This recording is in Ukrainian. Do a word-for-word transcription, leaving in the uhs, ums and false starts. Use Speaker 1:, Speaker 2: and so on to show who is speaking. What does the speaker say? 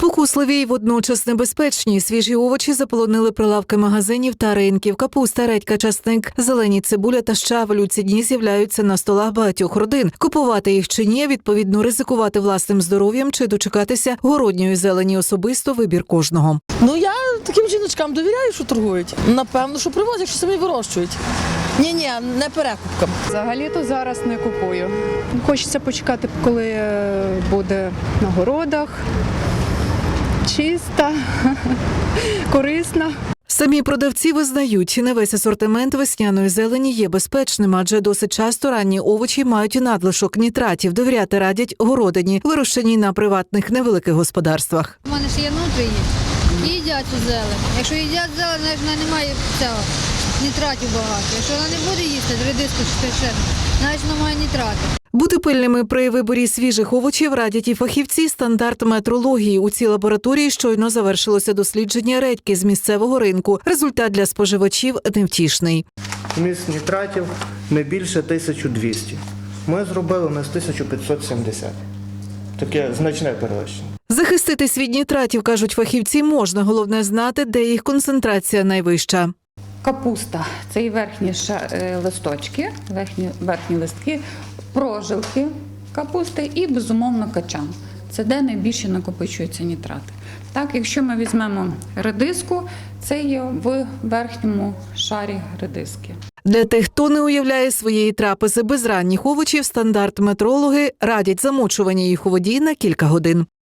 Speaker 1: Спокусливі й водночас небезпечні свіжі овочі заполонили прилавки магазинів та ринків. Капуста, редька, часник, зелені цибуля та щавель у ці дні з'являються на столах багатьох родин. Купувати їх чи ні, відповідно ризикувати власним здоров'ям чи дочекатися городньої зелені особисто вибір кожного.
Speaker 2: Ну я таким жіночкам довіряю, що торгують. Напевно, що привозять, якщо самі вирощують. Ні-ні, не перекупкам.
Speaker 3: Взагалі-то зараз не купую. Хочеться почекати, коли буде на городах, чиста, корисна.
Speaker 1: Самі продавці визнають, не весь асортимент весняної зелені є безпечним, адже досить часто ранні овочі мають надлишок нітратів. Довіряти радять городині, вирощеній на приватних невеликих господарствах.
Speaker 4: У мене ще є нутрії, і їдять цю зелень. Якщо їдять зелень, значить вона не має цього, нітратів багато. Якщо вона не буде їсти, редиску чи ще, значить вона має нітрати.
Speaker 1: Бути пильними при виборі свіжих овочів радять і фахівці стандарт метрології. У цій лабораторії щойно завершилося дослідження редьки з місцевого ринку. Результат для споживачів невтішний.
Speaker 5: Вміст нітратів не більше тисяча двісті. Ми зробили у нас тисяча п'ятсот сімдесят. Таке значне перевищення.
Speaker 1: Захиститись від нітратів, кажуть фахівці, можна. Головне знати, де їх концентрація найвища.
Speaker 6: Капуста – це і верхні ша- е, листочки, верхні, верхні листки, прожилки капусти і, безумовно, качан. Це де найбільше накопичуються нітрати. Так, якщо ми візьмемо редиску, це є в верхньому шарі редиски.
Speaker 1: Для тих, хто не уявляє своєї трапези без ранніх овочів, стандарт метрологи радять замочування їх у воді на кілька годин.